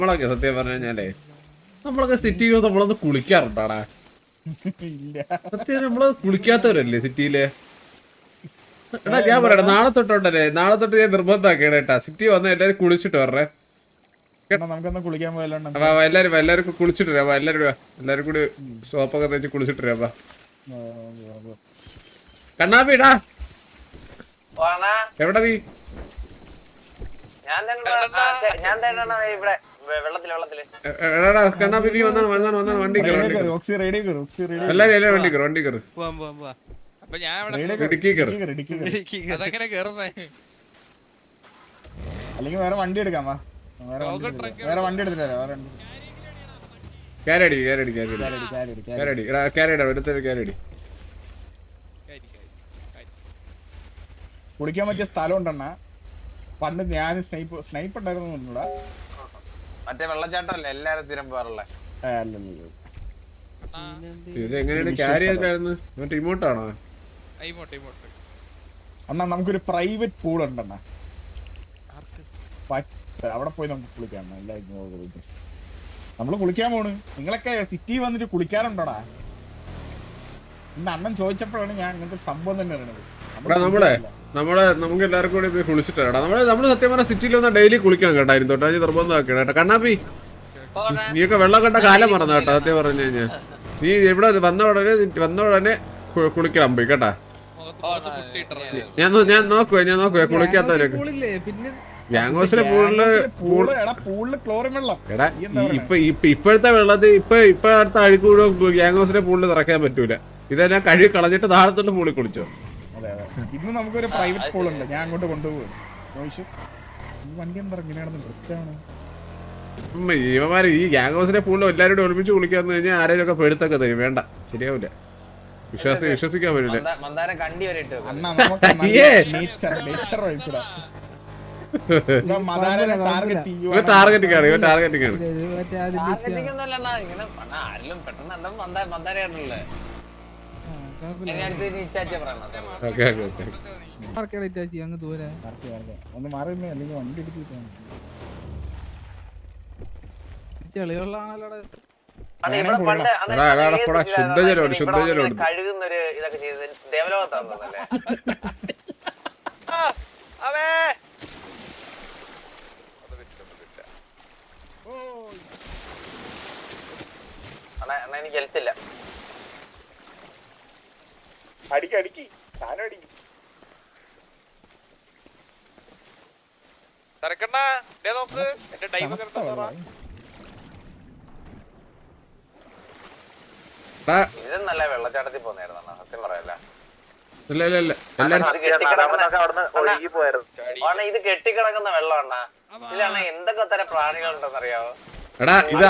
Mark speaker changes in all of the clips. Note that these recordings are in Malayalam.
Speaker 1: നമ്മളൊക്കെ സത്യം പറഞ്ഞു കഴിഞ്ഞാലേ നമ്മളൊക്കെ സിറ്റിയിൽ നമ്മളൊന്ന് കുളിക്കാറുണ്ടാടാ. സത്യം നമ്മള് കുളിക്കാത്തവരല്ലേ സിറ്റിയില്. എടാ ഞാൻ പറയട്ടെ, നാളെ തൊട്ടുണ്ടല്ലേ, നാളെ തൊട്ട് ഞാൻ നിർബന്ധമാക്കിയാണ് കേട്ടാ, സിറ്റി വന്ന എല്ലാരും കുളിച്ചിട്ട് വരണേ. എല്ലാരും കുളിച്ചിട്ട് വരാം. എല്ലാരും കൂടി സോപ്പൊക്കെ തേച്ച് കുളിച്ചിട്ട് വരാം. കണ്ണാപ്പിടാ എവിടെ നീ? എടാ കണ്ണാപ്പി നീ വന്നാണ് വണ്ടി കയറി. എല്ലാരും വണ്ടി കയറി ഇടുക്കി കയറി.
Speaker 2: അല്ലെങ്കിൽ വേറെ വണ്ടി എടുക്കാം. വേറെ വണ്ടി എടുത്തില്ല.
Speaker 1: ക്യാരടി
Speaker 2: കുളിക്കാൻ പറ്റിയ സ്ഥലം ഉണ്ടെണ്ണ. പണ്ട് ഞാൻ സ്നൈപ്പ് ഉണ്ടായിരുന്നു.
Speaker 3: മറ്റേ വെള്ളച്ചാട്ടം അല്ലേ എല്ലാരും സ്ഥിരം പോകാറുള്ള?
Speaker 1: ഇത് എങ്ങനെയാണ് ക്യാരി ചെയ്തായിരുന്നു? മറ്റേ ഇമോട്ടാണോ?
Speaker 2: അണ്ണാ നമുക്കൊരു പ്രൈവറ്റ് പൂൾ ഉണ്ടെണ്ണ. അവിടെ പോയി നമുക്ക് കുളിക്കാം. നമ്മള് കുളിക്കാൻ പോണ്. നിങ്ങളൊക്കെ സിറ്റി വന്നിട്ട് കുളിക്കാറുണ്ടോടാ? ഇന്ന് അണ്ണൻ ചോദിച്ചപ്പോഴാണ് ഞാൻ ഇങ്ങനത്തെ സംഭവം തന്നെ അറിയണത്.
Speaker 1: നമുക്ക് എല്ലാവർക്കും കൂടി പോയി കുളിച്ചിട്ട് നമ്മള് സത്യം പറഞ്ഞ സിറ്റിയിൽ വന്നാൽ ഡെയിലി കുളിക്കണം കേട്ടോ. അതിന് തൊട്ടാ നിർബന്ധമാക്കണം കേട്ടോ. കണ്ണാപ്പി നീയൊക്കെ വെള്ളം കണ്ട കാലം മറന്നു കേട്ടോ. സത്യം പറഞ്ഞു കഴിഞ്ഞാൽ നീ ഇവിടെ വന്ന ഉടനെ കുളിക്കണം പോയി കേട്ടാ. ഞാൻ നോക്കുവേ കുളിക്കാത്തവരൊക്കെ ഗ്യാങ്ഹൗസിലെ എടാ ഇപ്പോഴത്തെ വെള്ളത്തിൽ ഇപ്പൊ അടുത്ത അഴുക്കൂടെ ഗ്യാങ്ഹൗസിലെ പൂളിൽ നിറയ്ക്കാൻ പറ്റൂല. ഇതെല്ലാം കഴുകി കളഞ്ഞിട്ട് താഴത്തോട്ട് പൂളിൽ കുളിച്ചോ.
Speaker 2: ഇന്ന് നമുക്കൊരു പ്രൈവറ്റ് പൂൾ ഉണ്ട്. ഞാൻ അങ്ങോട്ട് കൊണ്ടുപോകും. വണ്ടി എന്താ ഇങ്ങനെയാണെന്ന്
Speaker 1: ഇവന്മാര് ഈ ഗ്യാങ്ഹൗസിലെ പൂളിൽ എല്ലാവരും കൂടെ ഒരുമിച്ച് കുളിക്കാന്ന് കഴിഞ്ഞാൽ ആരെയും ഒക്കെ പെടുത്തൊക്കെ തരും. വേണ്ട, ശരിയാവില്ല. വിശ്വസിക്കാൻ പറ്റില്ല. ടാർഗറ്റിംഗ് ആണ്.
Speaker 2: ഒന്ന് മാറിയുന്നേ, അല്ലെങ്കിൽ വണ്ടി എടുത്തിട്ട്
Speaker 1: ശുദ്ധജലം
Speaker 3: കഴുകുന്നൊരു ഇതൊക്കെ ചെയ്ത് ദേവലോകത്താന്നല്ലേ? എനിക്ക് ഹെൽത്തില്ല.
Speaker 2: അടിക്കി സാധനം അടിക്കും.
Speaker 3: ഇത് നല്ല വെള്ളച്ചാട്ടത്തിൽ പോന്നായിരുന്നു സത്യം പറയല്ല. ഇത് കെട്ടിക്കിടക്കുന്ന വെള്ളമാണ്. ഇതിലാണ് എന്തൊക്കെ തരം പ്രാണികളുണ്ടെന്നറിയാവോ?
Speaker 1: എടാ ഇത്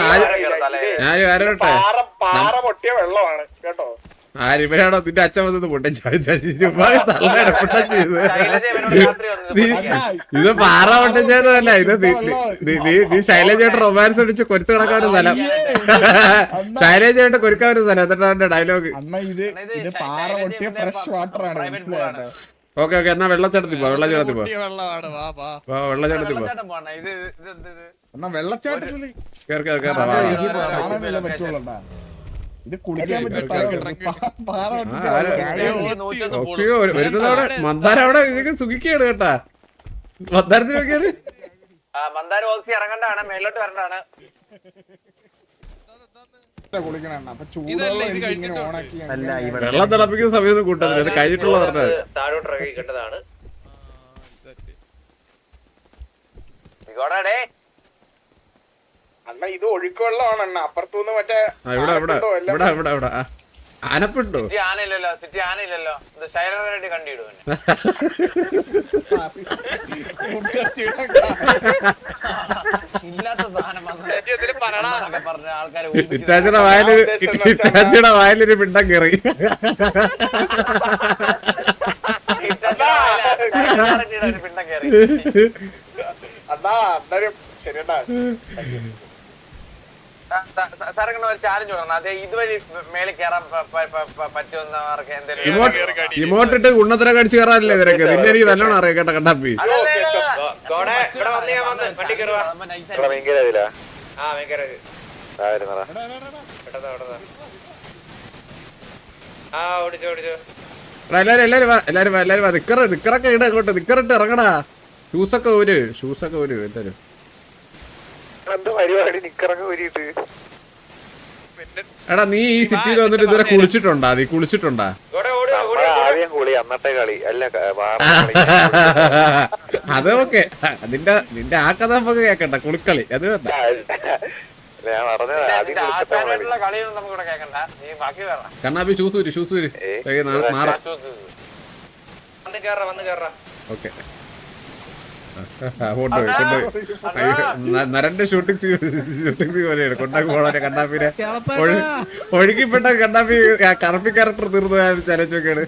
Speaker 2: പാറ പൊട്ടിയ വെള്ളമാണ് കേട്ടോ.
Speaker 1: ഇവരാണോ നിന്റെ അച്ഛൻ വന്നത് ഇത് പാറ പൊട്ടിച്ചതല്ല. ഇത് നീ ശൈലജയായിട്ട് റൊമാൻസ് അടിച്ച് കൊരുത്ത് കിടക്കാൻ ഒരു സ്ഥലം. ശൈലജയായിട്ട് കൊരുക്കാൻ ഒരു സ്ഥലം. എന്നിട്ടാണ് ഡയലോഗ്.
Speaker 2: പാറ പൊട്ടിയ ഫ്രഷ് വാട്ടർ ആണ്.
Speaker 1: ഓക്കെ എന്നാ വെള്ളച്ചാട്ടത്തിൽ പോ. വെള്ളച്ചാട്ടത്തിൽ പോ.
Speaker 2: ഇത് കുളിക്കാൻ
Speaker 1: വരുന്നതവിടെ മന്ദാരം അവിടെ സുഖിക്കാണ് കേട്ടാ. മന്ദാരത്തിന് നോക്കിയാണ്.
Speaker 3: മന്ദാരം ഓക്സി ഇറങ്ങണ്ടാണ്, മേലോട്ട് വരണ്ടാണ്.
Speaker 1: വെള്ളം തിളപ്പിക്കുന്ന സമയത്ത് കൂട്ടത്തില്ല. ഇത് കഴിഞ്ഞിട്ടുള്ള പറഞ്ഞത്
Speaker 3: താഴോട്ട് ഇറങ്ങി കേട്ടതാണ്.
Speaker 2: അണ്ണ ഇത് ഒഴുക്കുവെള്ളമാണ് അണ്ണ. അപ്പുറത്തുനിന്ന് മറ്റേ
Speaker 1: ഇവിടെ ആനപ്പിട്ടോ?
Speaker 3: ആനയില്ലല്ലോ, സിറ്റി ആനയില്ലല്ലോ. ഇത് ശൈലജ കണ്ടിടും. ഇല്ലാത്ത സാധനം പറഞ്ഞ ആൾക്കാരെ
Speaker 1: ഇറ്റാച്ചിയുടെ വായിലൊരു പിണ്ടം കയറി.
Speaker 3: പിണ്ടം കയറി.
Speaker 2: അതാ അന്നേരം ശരിയണ്ടാ.
Speaker 3: സാറങ്ങനെ ഒരു ചാലഞ്ച് കൊടുക്കണം. അതെ ഇതുവഴി മേളിൽ കയറാൻ പറ്റുമെന്നവർക്ക് എന്തെങ്കിലും
Speaker 1: ഇമോട്ടിട്ട് ഉണ്ണത്തിനെ കടിച്ചു കയറാനല്ലേ ഇവരൊക്കെ? നിന്നെ എനിക്ക് നല്ലോണം അറിയാം കേട്ടോ കണ്ണാപ്പി. എല്ലാരും നിക്കറൊക്കെ ഇട അങ്ങോട്ട് നിക്കറിട്ട് ഇറങ്ങടാ. ഷൂസൊക്കെ ഒരു എല്ലാരും. എടാ നീ ഈ സിറ്റിയിൽ വന്നിട്ട് ഇതുവരെ കുളിച്ചിട്ടുണ്ടാ? നീ കുളിച്ചിട്ടുണ്ടാ? അത് ഓക്കെ. നിന്റെ ആ കഥ നമുക്ക് കേക്കണ്ട. കുളിക്കളി അത് വേണ്ട. കണ്ണാപ്പി ഷൂസ് ഓക്കെ. നരന്റെ ഷൂട്ടിംഗ് പോലെയാണ്. കൊണ്ടാക്കി പോണെ കണ്ണാപ്പിനെ ഒഴുകിപ്പെട്ട കണ്ണാപ്പി കറപ്പി ക്യാരക്ടർ തീർന്നു ചലച്ചൊക്കെയാണ്.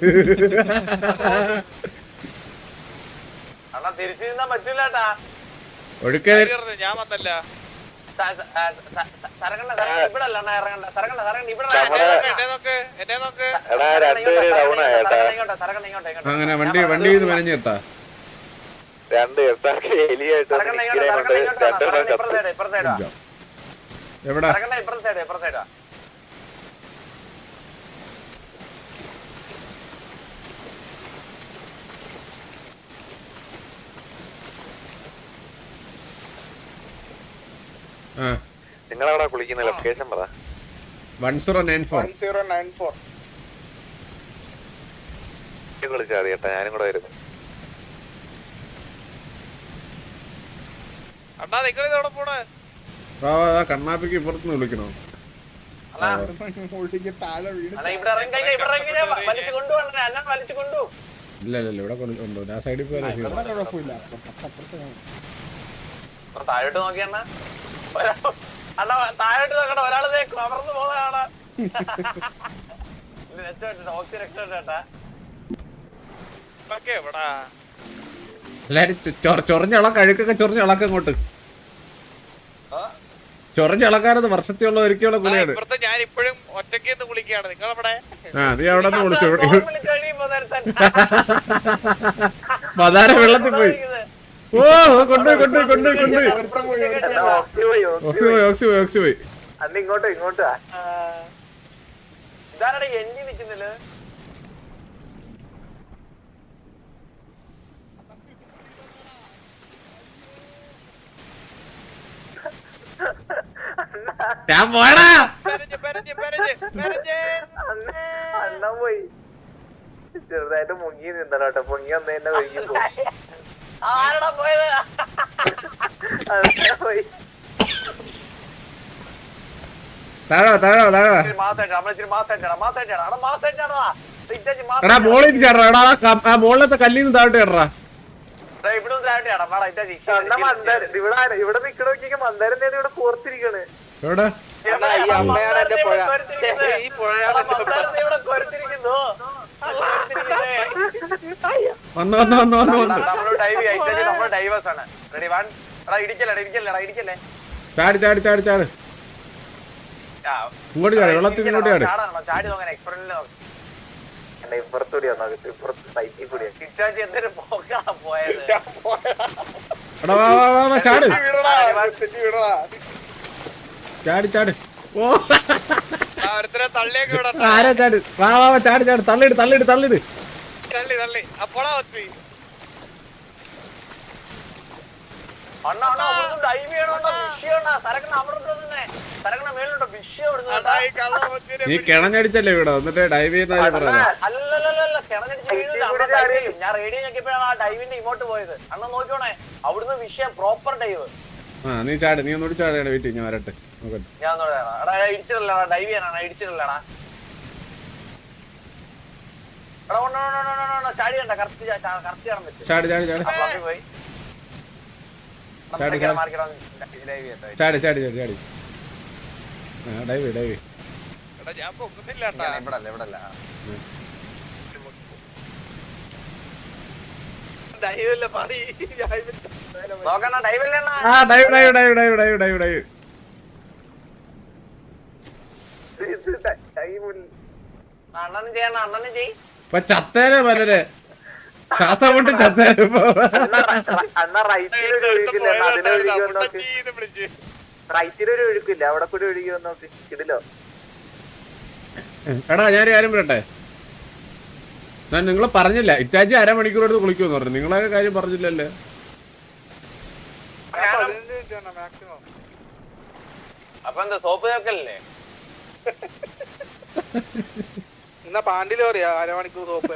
Speaker 1: ഒഴുക്കെ
Speaker 3: ഞാൻ വന്നല്ല.
Speaker 1: അങ്ങനെ വണ്ടി മെനഞ്ഞെത്താ. എവിടെ
Speaker 4: നിങ്ങളവിടെ കുളിക്കുന്ന ലൊക്കേഷൻ പറ.
Speaker 1: 1094
Speaker 4: വിളിച്ചാൽ മതി കേട്ടാ, ഞാനും കൂടെ വരുന്നു.
Speaker 1: കണ്ണാപ്പിക്ക് ഇപ്പുറത്തുനിന്ന് വിളിക്കണോ? ഇല്ല ഇവിടെ കൊണ്ടു. ആ സൈഡിൽ പോയാ
Speaker 3: താഴോട്ട് നോക്കിയണ്ണ, താഴോട്ട് നോക്കണ്ട. ഒരാള് കവർന്ന് പോകുന്നതാണ്. രക്ഷപ്പെട്ടാ
Speaker 1: എല്ലാരും ചൊറഞ്ഞളക്ക അഴുക്കൊക്കെ ചൊറഞ്ഞളക്ക അങ്ങോട്ട് ചൊറഞ്ഞളക്കാരത് വർഷത്തിലുള്ള ഒരിക്കലുള്ള കുളിയാണ്.
Speaker 3: ഞാൻ ഇപ്പോഴും ഒറ്റയ്ക്ക് കുളിക്കുകയാണ്. നിങ്ങളവിടെ
Speaker 1: നീ അവിടെ നിന്ന് വിളിച്ചു. മതാര വെള്ളത്തിൽ പോയി. ഓ കൊണ്ടുപോയി
Speaker 3: ഇങ്ങോട്ടോ ഇങ്ങോട്ടാ. ഇതാരടെ എണ്ണി നിക്കുന്നില്ല.
Speaker 1: ഞാൻ പോടാ.
Speaker 3: അണ്ണ പോയി ചെറുതായിട്ട് മുങ്ങി നിന്നോട്ടോ. പൊങ്ങി വന്നതിന്റെ വൈകി ആരടാ പോയത്? പോയി
Speaker 1: മോളിലത്തെ കല്ലിന്ന് താഴോട്ട് കേട്ടാ.
Speaker 3: ഇവിടെ നിക്കണ നോക്കിയ മന്ദാരം ഇവിടെ കോർത്തിരിക്കണ്.
Speaker 1: എവിടെ ചാടി ചാടി ചാടി ചാട്. ഇങ്ങോട്ട് ചാടി. വെള്ളത്തിൽ ഇങ്ങോട്ട് ചാടി.
Speaker 3: ചാടി നോക്കാൻ എക്സ്പെരിമെന്റ് നോക്കാം. ഇപ്പുറത്തൂടി ഇപ്പുറത്ത് സൈറ്റിൽ കൂടി എന്തൊരു പോക്കാണ് പോയത്.
Speaker 1: ചാട് ചാടി ചാടി. ഓ
Speaker 3: തള്ളിയൊക്കെ
Speaker 1: ആരാ ചാട്. ചാടി ചാടി. തള്ളിട് തള്ളിട് തള്ളിട്.
Speaker 3: തള്ളി തള്ളി അപ്പോളാ ഒത്തി.
Speaker 1: നീ കിണഞ്ഞടിച്ചല്ലേ ഇവിടെ എന്നിട്ട് ഡൈവ് ചെയ്യുന്ന
Speaker 3: ഞാൻ റേഡിയോ നോക്കിയപ്പോഴാണ് ആ ഡൈവിന്റെ ഇങ്ങോട്ട് പോയത്. അണ്ണ നോക്കിയോണേ, അവിടുന്ന് വിഷയം പ്രോപ്പർ ഡൈവ്.
Speaker 1: നീ ചാട്. നീ ഒന്നുകൂടി ചാടിയാണ്. വീട്ടിൽ ഞാൻ വരട്ടെ.
Speaker 3: ഞാൻ ഇടിച്ചിട്ടല്ലടാ, ഡൈവ് ചെയ്യാനാണ്. ഇടിച്ചിട്ടല്ലടാ. ചാടി കണ്ട കറക്റ്റ് ചാടാൻ പറ്റും.
Speaker 1: ചാടി ചാടി ചാടി
Speaker 3: പോയി
Speaker 1: ചാടി ചാടി ചാടി ചാടി ചാടി. Dive dive.
Speaker 3: ഞാൻ പൊക്കുന്നില്ല. ഇവിടല്ല ഇവിടല്ല. അണ്ണനും ചെയ്യണം. അണ്ണനും ചെയ്.
Speaker 1: ചത്തേനെ പലരെ ശ്വാസം കൊണ്ട് ചത്തേനെ.
Speaker 3: റൈറ്റിൽ ഒരു ഒഴുക്കില്ല, അവിടെ കൂടി ഒഴുകി വന്ന് നോക്ക് കിടിലോ.
Speaker 1: എടാ ഞാൻ കാര്യം പറയട്ടെ, ഞാൻ നിങ്ങളെ പറഞ്ഞില്ല ഇറ്റാച്ചി അരമണിക്കൂർ എടുത്ത് കുളിക്കുമെന്ന് പറഞ്ഞു. നിങ്ങളൊക്കെ കാര്യം പറഞ്ഞില്ലല്ലേ?
Speaker 3: അപ്പൊ എന്താ സോപ്പ് ചേർക്കല്ലേ?
Speaker 5: എന്നാ പാണ്ടില് പറയാ അരമണിക്കൂർ സോപ്പ്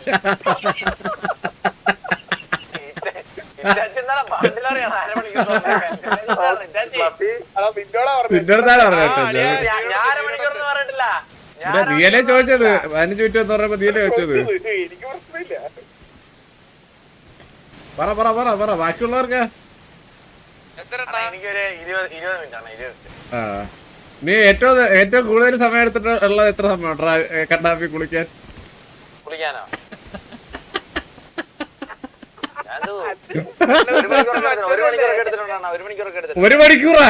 Speaker 1: നിന്റെ അടുത്താണ് പറഞ്ഞിട്ട് നീയല്ലേ ചോദിച്ചത് 15 മിനിറ്റ് എന്ന് പറഞ്ഞപ്പോ നീയല്ലേ ചോദിച്ചത്.
Speaker 5: എനിക്ക് പ്രശ്നമില്ല.
Speaker 1: പറ പറ പറ പറ ബാക്കിയുള്ളവർക്ക്.
Speaker 3: എനിക്കൊരു 20 മിനിറ്റ് ആണ്. 20.
Speaker 1: ആ നീ ഏറ്റവും കൂടുതൽ സമയം എടുത്തിട്ട് ഉള്ളത് എത്ര സമയം കണ്ണാപ്പി കുളിക്കാൻ?
Speaker 3: കുളിക്കാനോ?
Speaker 1: ഒരു മണിക്കൂറാ?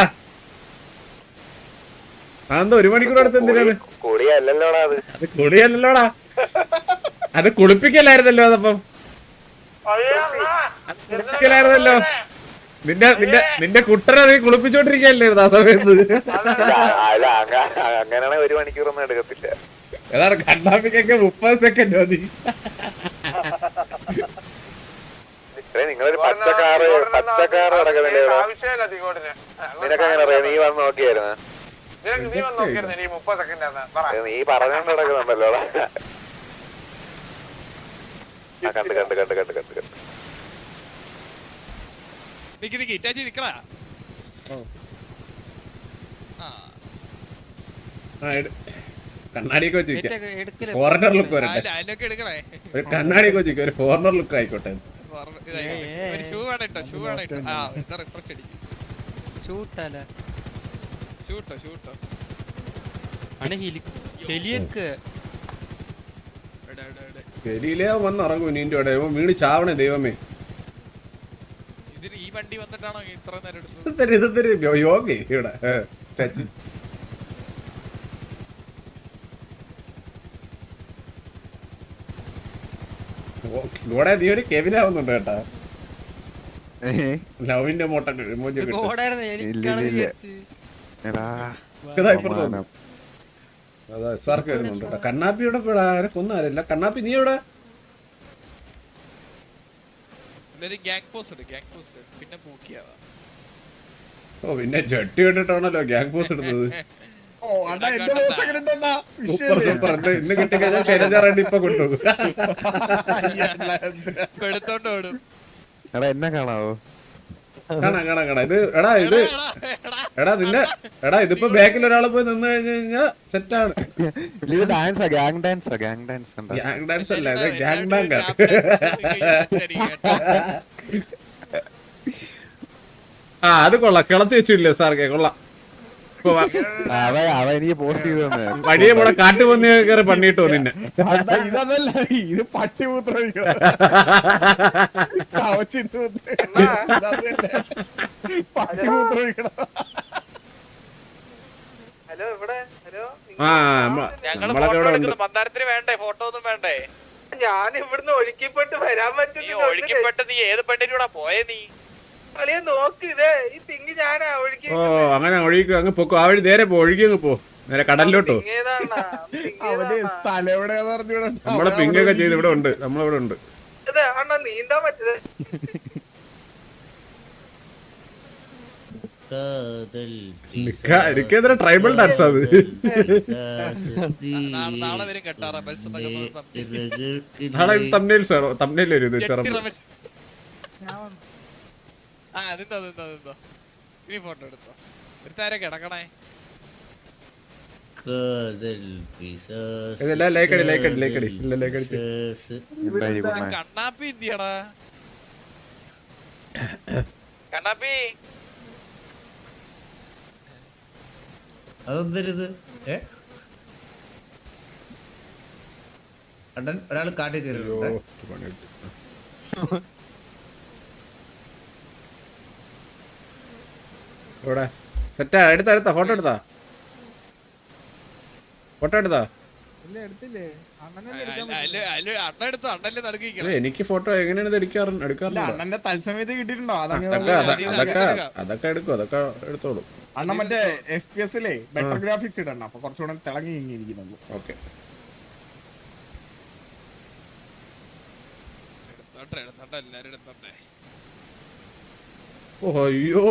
Speaker 1: അതെന്താ 1 മണിക്കൂർ എടുത്ത് എന്തിനാണ്?
Speaker 4: കുളിയല്ലല്ലോടാ അത്.
Speaker 1: അത് കുളിയല്ലല്ലോടാ, അത് കുളിപ്പിക്കലായിരുന്നല്ലോ. അതപ്പം കുളിപ്പിക്കലായിരുന്നല്ലോ. നിന്റെ കുട്ടനെ നീ കുളിപ്പിച്ചോണ്ടിരിക്കല്ലായിരുന്നു ആ സമയത്ത്.
Speaker 4: അല്ല അങ്ങനെയാണെ 1 മണിക്കൂറൊന്നും എടുക്കത്തില്ല.
Speaker 1: ഏതാണ് കണ്ണാപ്പിക്കൊക്കെ 30 സെക്കൻഡ് മതി.
Speaker 4: നിങ്ങളൊരു പച്ചക്കാറ് നടക്കുന്നില്ലേ? നിനക്ക് എങ്ങനെ അറിയാം? നീ വന്ന് നോക്കിയായിരുന്നു? നീ പറഞ്ഞോണ്ട് നടക്കുന്നുണ്ടല്ലോ. കണ്ട്
Speaker 1: കണ്ണാടിയൊക്കെ വെച്ചിരിക്കാം. ഫോറിനർ ലുക്ക് വരട്ടെ. ഒരു കണ്ണാടിയൊക്കെ വെച്ചിരിക്കും, ഒരു ഫോറിനർ ലുക്ക് ആയിക്കോട്ടെ. ഗലിയിലേ വന്ന് ഇറങ്ങും നിന്റെ ഇവിടെ വീണ് ചാവണേ ദൈവമേ.
Speaker 6: ഈ വണ്ടി വന്നിട്ടാണോ ഇത്ര നേരം
Speaker 1: ഇത് യോഗ ഇവിടെ ടച്ച്. ഇവിടെ നീ ഒരു കെവിനാവുന്നുണ്ട് കേട്ടാ. ലവിന്റെ മോട്ടൊക്കെ അതാ എസ്ആർക്ക് വരുന്നുണ്ട് കേട്ടോ. കണ്ണാപ്പി ഇവിടെ ആരെ കൊന്നാരില്ല. കണ്ണാപ്പി നീ എവിടെ? ഓ പിന്നെ ജട്ടി ഇട്ടിട്ടാണല്ലോ ഗ്യാങ് പോസ്റ്റ് എടുത്തത്. Super super. ഇന്ന് കിട്ടിക്കഴിഞ്ഞാൽ ശൈലജ റെഡ്ഡി ഇപ്പൊ കൊണ്ടുപോകും.
Speaker 4: എന്നെ കാണാവോ?
Speaker 1: കാണാം. ഇത് എടാ ഇതിപ്പോ ബാക്കിൽ ഒരാള് പോയി നിന്ന് കഴിഞ്ഞു കഴിഞ്ഞാ സെറ്റാണ്. ഗ്യാങ് ഡാൻസ് അല്ല, ഇത് ഗ്യാങ് ബാങ്ക് ആണ്. ആ അത് കൊള്ളാം, കിളത്തി വെച്ചില്ലേ സാർക്ക്, കൊള്ളാം. വഴിയെ പോടെ കാട്ടുപന്നി കയറി പണിയിട്ട് നിന്നെ.
Speaker 2: ഇതല്ല, ഇത് പട്ടിപൂത്രം പട്ടിപൂത്രം.
Speaker 5: ഹലോ ഇവിടെ ഹലോ
Speaker 1: നമ്മളൊക്കെ ഇവിടെ ഉണ്ട്.
Speaker 6: മന്ദാരത്തിന് വേണ്ടേ? ഫോട്ടോ ഒന്നും വേണ്ടേ?
Speaker 5: ഞാൻ ഇവിടുന്ന് ഒഴുക്കിപ്പെട്ട് വരാൻ പറ്റും.
Speaker 6: ഒഴുക്കിപ്പെട്ട് നീ ഏത് പെണ്ണിന്റെ കൂടെ പോയേ? നീ
Speaker 5: കളിയെ നോക്ക്, ഇത് ഈ തിങ്ങി ഞാനാ ഒഴുക്കി.
Speaker 1: ഓ അങ്ങനെ ഒഴുകി അങ്ങ് പൊക്കോ. ആ വഴി നേരെ ഒഴുകി അങ്ങ് പോ, നേരെ കടലിലോട്ടോ.
Speaker 2: അവന് സ്ഥലം എവിടെയാന്ന് പറഞ്ഞൂടാ.
Speaker 1: നമ്മള് പിങ്ങൊക്കെ ചെയ്ത് ഇവിടെ ഉണ്ട്, നമ്മളിവിടെ ഉണ്ട്.
Speaker 5: ഇത് അണ്ണാ നീന്താൻ പറ്റത്.
Speaker 1: എനിക്കെതിരെ ട്രൈബൽ ഡാൻസ് അത്.
Speaker 6: നാളെ വരും കേട്ടോ റബൽസ്.
Speaker 1: നാളെ തമ്മിൽ വരും ഇത് ചെറുപ്പം.
Speaker 6: അതെന്തോ ഇനി ഫോട്ടോ എടുത്തോ. ഒരു താരം കിടക്കണേ. കണ്ണാപ്പി എന്തിയാടാ? കണ്ണാപ്പി
Speaker 7: അതെന്തരുത്? അണ്ണൻ ഒരാൾ കാട്ടി കയറിയിട്ടുണ്ട്.
Speaker 1: ഇവിടെ സെറ്റാ. എടുത്താ ഫോട്ടോ എടുത്താ? എനിക്ക് ഫോട്ടോ എങ്ങനെയാണ് ഇത് എടുക്കാറുണ്ട്?
Speaker 2: അണ്ണന്റെ തത്സമയത്ത് കിട്ടിയിട്ടുണ്ടോ?
Speaker 1: അതൊക്കെ എടുക്കും, അതൊക്കെ എടുത്തോളൂ.
Speaker 2: അണ്ണൻ മറ്റേ FPS-ലെ ബെറ്റർ ഗ്രാഫിക്സ് ഇടണം, അപ്പൊ കുറച്ചുകൂടെ തിളങ്ങി ഇരിക്കുന്നുള്ളൂ.
Speaker 1: ഓക്കെ.
Speaker 6: എടുത്തോട്ടെ എല്ലാരും എടുത്തോട്ടെ.
Speaker 1: ഓ അയ്യോ,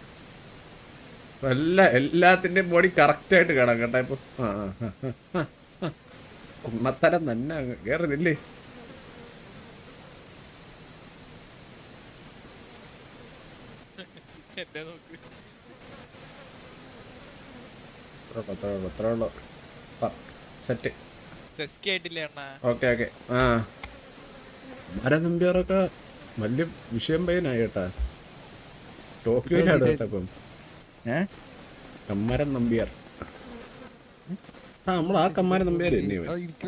Speaker 1: എല്ലാത്തിന്റെയും ബോഡി കറക്റ്റ് ആയിട്ട് കാണാം കേട്ടാ ഇപ്പൊ. കുമ്മത്തരം തന്നെ കേറുന്നില്ലേ?
Speaker 6: എന്നെ നോക്ക്.
Speaker 1: സെറ്റ്.
Speaker 6: സെസ്കി ആയിട്ടില്ലേ അണ്ണാ?
Speaker 1: Okay okay. ആ മരം നമ്പ്യാറൊക്കെ വലിയ വിഷയം പയ്യനായി കേട്ടാ. ടോക്കിയോയിലാണ് കേട്ടോ ഇപ്പം. കമ്മാരൻ നമ്പ്യാർ. ആ നമ്മൾ ആ കമ്മാരൻ നമ്പ്യാർ തന്നെ.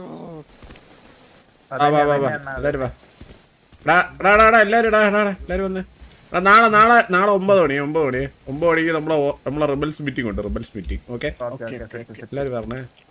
Speaker 1: എല്ലാരും വാ. എല്ലാരും വന്ന്. നാളെ 9 മണിക്ക് നമ്മളെ റിബൽസ് മീറ്റിംഗ് ഉണ്ട്. Rebels meeting. ഓക്കെ, എല്ലാരും പറഞ്ഞേ.